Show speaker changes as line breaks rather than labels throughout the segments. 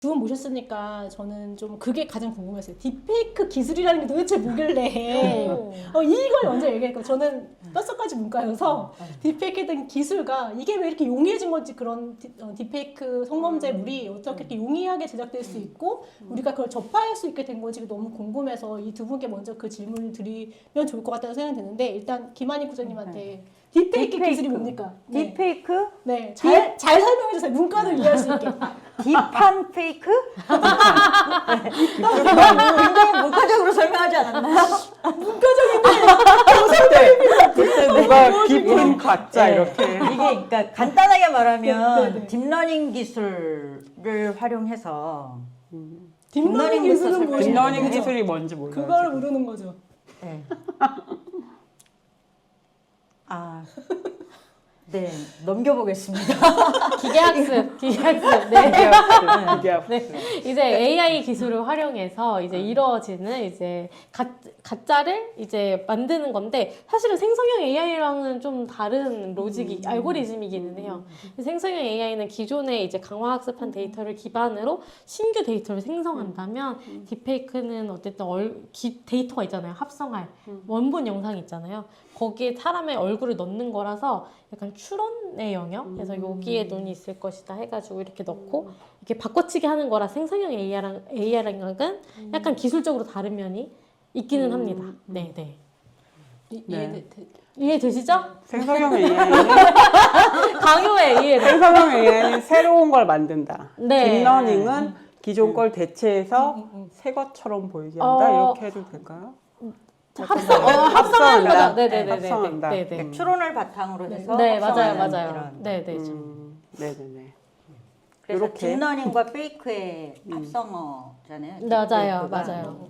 두 분 모셨으니까 저는 좀 그게 가장 궁금했어요. 딥페이크 기술이라는 게 도대체 뭐길래 이걸 먼저 얘기했고 저는 뼛속까지 문과여서 딥페이크에 대한 기술과 이게 왜 이렇게 용이해진 건지 그런 딥페이크 성범죄물이 어떻게 이렇게 용이하게 제작될 수 있고 우리가 그걸 접할 수 있게 된 건지 너무 궁금해서 이 두 분께 먼저 그 질문을 드리면 좋을 것 같다는 생각이 드는데 일단 김한희 국장님한테 딥페이크 기술이 뭡니까? 네.
딥페이크?
네, 잘 설명해 주세요. 문과를 이해할 수 있게.
딥한 페이크? 굉장히 문과적으로 설명하지 않았나요?
그때 누가 깊은 가짜
네.
이렇게
이게 그러니까 간단하게 말하면
네.
딥러닝 기술을 활용해서
딥러닝 기술은
설명해
무엇인지
딥러닝
네.
기술이 뭔지 몰라요.
그걸
지금.
모르는 거죠.
네. 네, 넘겨보겠습니다.
기계학습. 네.
이게
네. 이제 AI 기술을 활용해서 이제 이루어지는 이제 가짜를 이제 만드는 건데 사실은 생성형 AI랑은 좀 다른 로직이 알고리즘이기는 해요. 생성형 AI는 기존에 이제 강화학습한 데이터를 기반으로 신규 데이터를 생성한다면 딥페이크는 어쨌든 데이터가 있잖아요. 합성할 원본 영상이 있잖아요. 거기에 사람의 얼굴을 넣는 거라서 약간 추론의 영역? 그래서 여기에 눈이 있을 것이다 해가지고 이렇게 넣고 이렇게 바꿔치기 하는 거라 생성형 AI랑은 약간 기술적으로 다른 면이 있기는 합니다. 네, 네. 이해되시죠?
생성형 AI는
강요해, 이해돼.
생성형 AI는 새로운 걸 만든다.
네.
딥러닝은 기존 걸 대체해서 새 것처럼 보이게 한다. 이렇게 해도 될까요?
합성하는 거죠. 네네네.
합성한다.
네네.
추론을 바탕으로 해서
네, 맞아요,
합성하는
맞아요.
이런.
네네.
네네네.
그래서
이렇게.
딥러닝과 페이크의 합성어잖아요.
맞아요,
딥페이크가.
맞아요.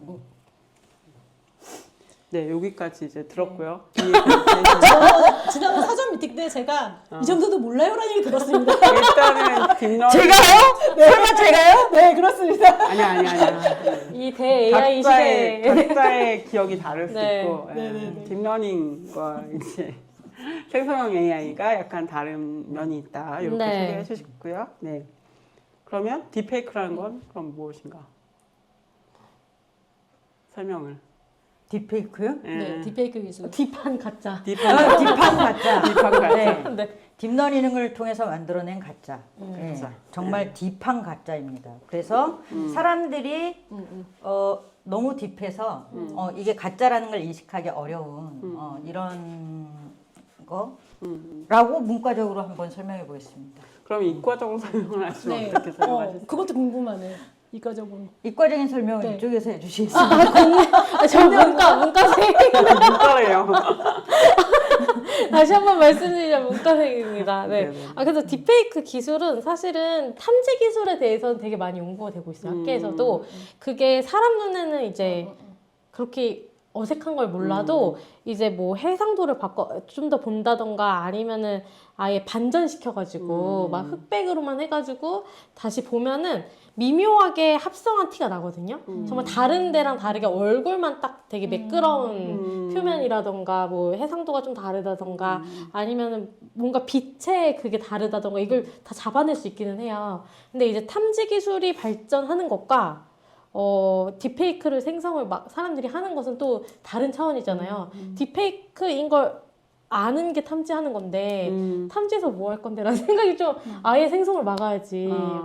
네, 여기까지 이제 들었고요.
지난번 사전 미팅 때 제가 이 정도도 몰라요라는 얘기 들었습니다.
일단은 딥러닝
제가요? 설마 제가요?
네, 그렇습니다.
아니야.
이 대 AI 시대에.
각자의 기억이 다를 수
네.
있고 딥러닝과 이제 생성형 AI가 약간 다른 면이 있다. 이렇게
네.
소개해 주셨고요. 네. 그러면 딥페이크라는 건 그럼 무엇인가? 설명을.
딥페이크요?
네, 딥페이크 기술.
딥한 가짜.
딥한
딥한 가짜.
딥한 가짜.
네.
네.
딥러닝을 통해서 만들어낸 가짜. 네.
가짜.
정말 딥한 가짜입니다. 그래서 사람들이 너무 딥해서 이게 가짜라는 걸 인식하기 어려운 이런 거라고 문과적으로 한번 설명해 보겠습니다.
그럼 이과적으로 설명을 하시면
네,
어떻게 설명하시죠?
그것도 궁금하네요. 이과적으로.
이과적인 설명을
네.
이쪽에서 해주시겠습니다.
저 문과생.
문과래요.
다시 한번 말씀드리자면 문과생입니다. 네.
네네.
그래서 딥페이크 기술은 사실은 탐지 기술에 대해서는 되게 많이 연구가 되고 있어요. 학계에서도. 그게 사람 눈에는 이제 그렇게 어색한 걸 몰라도 이제 뭐 해상도를 좀 더 본다던가 아니면은 아예 반전시켜가지고 막 흑백으로만 해가지고 다시 보면은 미묘하게 합성한 티가 나거든요. 정말 다른 데랑 다르게 얼굴만 딱 되게 매끄러운 표면이라던가 뭐 해상도가 좀 다르다던가 아니면은 뭔가 빛의 그게 다르다던가 이걸 다 잡아낼 수 있기는 해요. 근데 이제 탐지 기술이 발전하는 것과 딥페이크를 생성을 막 사람들이 하는 것은 또 다른 차원이잖아요. 딥페이크인 걸 아는 게 탐지하는 건데 탐지해서 뭐 할 건데라는 생각이 좀 아예 생성을 막아야지.